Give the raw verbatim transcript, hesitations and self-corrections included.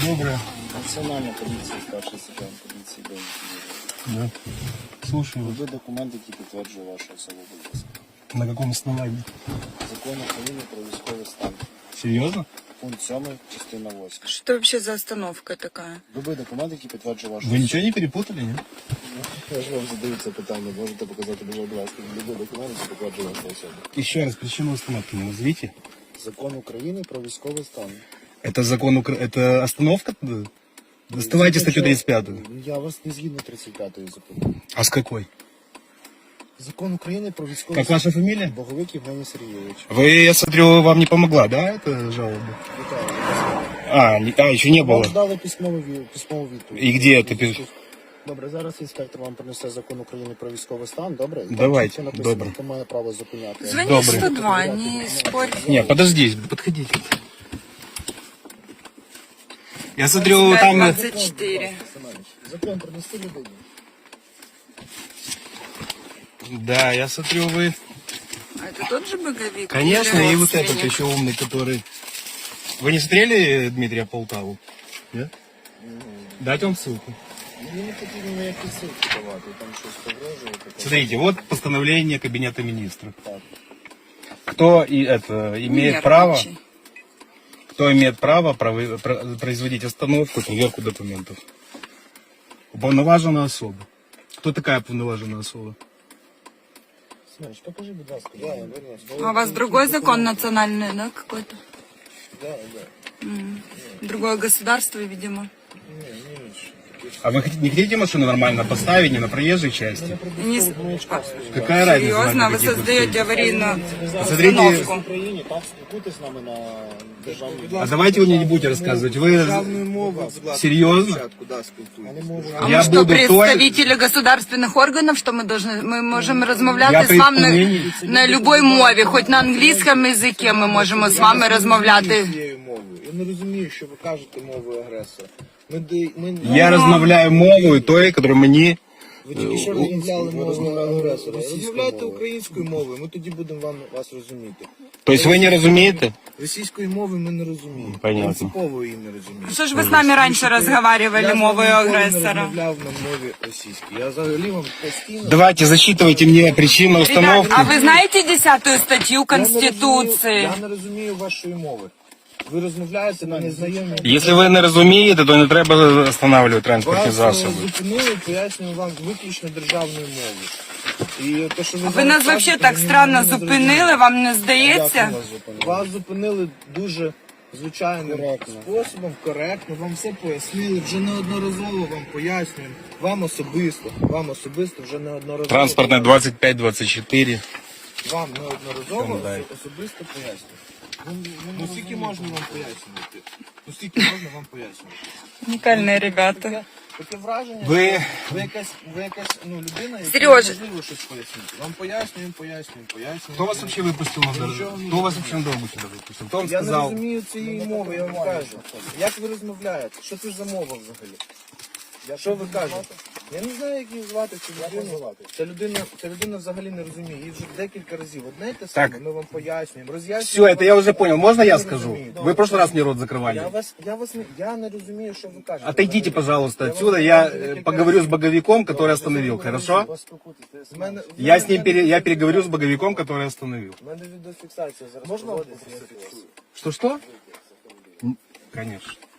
Доброе. Національна поліція, старший сержант поліції Б. Да. Слушаю вас. Ви документ, який підтверджує вашу особу, будь ласка. На каком основании? Закон України про військовий стан. Серьезно? Пункт сьомий, частина восьма. Что вообще за остановка такая? Любий документ, який підтверджує вашу Вы ничего не перепутали, нет? Я ж вам задаю це питання, можете показати, будь ласка, любий документ, який підтверджує вашу особу. Еще раз, причину остановки не назовите. Закон України про військовий стан. Это закон Укра... Это остановка? Доставайте статью тридцать пятую. Я вас не згідно тридцять п'ятої закону. А с какой? Закон України про військовий Как стан. ваша фамилия? Боговик Євгеній Сергійович. Вы, я смотрю, вам не помогла, да, эта жалоба? Вітаю, будь ласка. А, не- а еще не Вам было. дали письмову, ві- письмову відповідь. І де ти пис- Добре, зараз інспектор вам принесе закон України про військовий стан, добре? І там Давайте, чітко написано, добре. хто має право зупиняти. Звони Добрый. сто два, не спорь. Не, подожди, подходите. Я смотрю, двадцать пять, там... двадцать четыре. Семенович, закон принести людині. Да, я смотрю, вы... А это тот же боговик? Конечно, Или и вот этот родственник? еще умный, который... Вы не смотрели Дмитрия Полтаву? Нет? Дать вам ссылку. Мені не потрібно ніякі ссылки давати, там щось погрожує. таке. Смотрите, вот постановление Кабинета министров. Так. Кто и это имеет Нервничай. право, кто имеет право прови- про- производить остановку, проверку документов? Уполноваженная особа. Кто такая уполноваженная особа? Семенович, покажи, будь ласка. Я, я вернусь. А у вас другой закон национальный, да, какой-то? Да, да. М. Другое государство, видимо. Ні, ні, ні. А вы хотите- не хотите машину нормально поставить, не на проезжей части? Не с- а, Какая разница? серьезно, нам вы какие тут создаете цели? аварийную Посмотрите- В установку. Україні так спілкуйтесь з нами на державній. А давайте вы мне не будете рассказывать. Вы Державною мовою, будь ласка, серьезно? спочатку, да, спілкуйтесь. Я не можу. А Я мы что, буду той- представители государственных органов, что мы должны, мы можем размовляти Я з вами на, при- на любой мові, хоч на англійському язикі ми можемо з вами розмовляти. Цією мовою. Я не розумію, що ви кажете мовою агресора. Ми, де- ми, Я розмовляю мовою той, которую мені... Ви тільки що розмовляли мовою агресора. російською Розмовляйте мовою. українською мовою, ми тоді будемо вам, вас розуміти. Тобто ви не розумієте? Російської мови ми не розуміємо. Понятно. Принципово її не розуміємо. Що ж ви з нами раніше розмовляли Я мовою з вами ніколи не агресора? розмовляв на мові російській. Я взагалі вам постійно... Давайте, засчитывайте мне причину Ребят, установки. а вы знаете десятую статью Я не Конституции? розумію- Я не розумію вашої мови. Ви розмовляєте на незнайомій... Якщо ви не розумієте, то не треба встановлювати транспортні Вас е, засоби. зупинили, пояснюю вам виключно державною мовою. І те, що ви Ви зараз нас взагалі кажете, так мені странно не зрозуміло. зупинили, вам не Як здається? вас зупинили? Вас зупинили дуже звичайним Коректно. способом, коректно, вам все пояснили, вже неодноразово вам пояснюємо. Вам особисто, вам особисто вже неодноразово. Транспортне двадцять п'ять двадцять чотири. Вам неодноразово Чому далі? особисто пояснюємо. Ну, ну скільки можна вам пояснювати? Ну скільки можна вам пояснювати? Унікальні ребята. Таке, таке враження, Ви- що ви якась, ви якась ну, людина, яка Сережа. неможливо щось пояснити. Вам пояснюємо, пояснюємо, пояснюємо. Хто вас вообще випустив на дорогу? Хто вас вообще на дорогу сюди випустив? Хто вам Я не сказав? розумію цієї мови, я вам кажу. Як ви розмовляєте? Що це за мова взагалі? Що ви кажете? Я не знаю, як її звати цю людину. Ця людина, ця людина взагалі не розуміє. Її вже декілька разів. Одне й те саме, Так. ми вам пояснюємо, роз'яснюємо. Все, это я уже понял. Можно я Ви не скажу? розумієте. Вы в прошлый раз мне рот Я закрывали. вас, я вас не, я не розумію, що ви кажете. Отойдите, пожалуйста, Я вам отсюда. Я покажу э, декілька поговорю с разів. боговиком, который остановил, хорошо? Вас спілкуйтесь. З мене- в Я мене с ним є- пере- я переговорю с боговиком, который остановил. У мене відеофіксація зараз. Можна проводиться, вас я фіксую. Что-что? М, Конечно.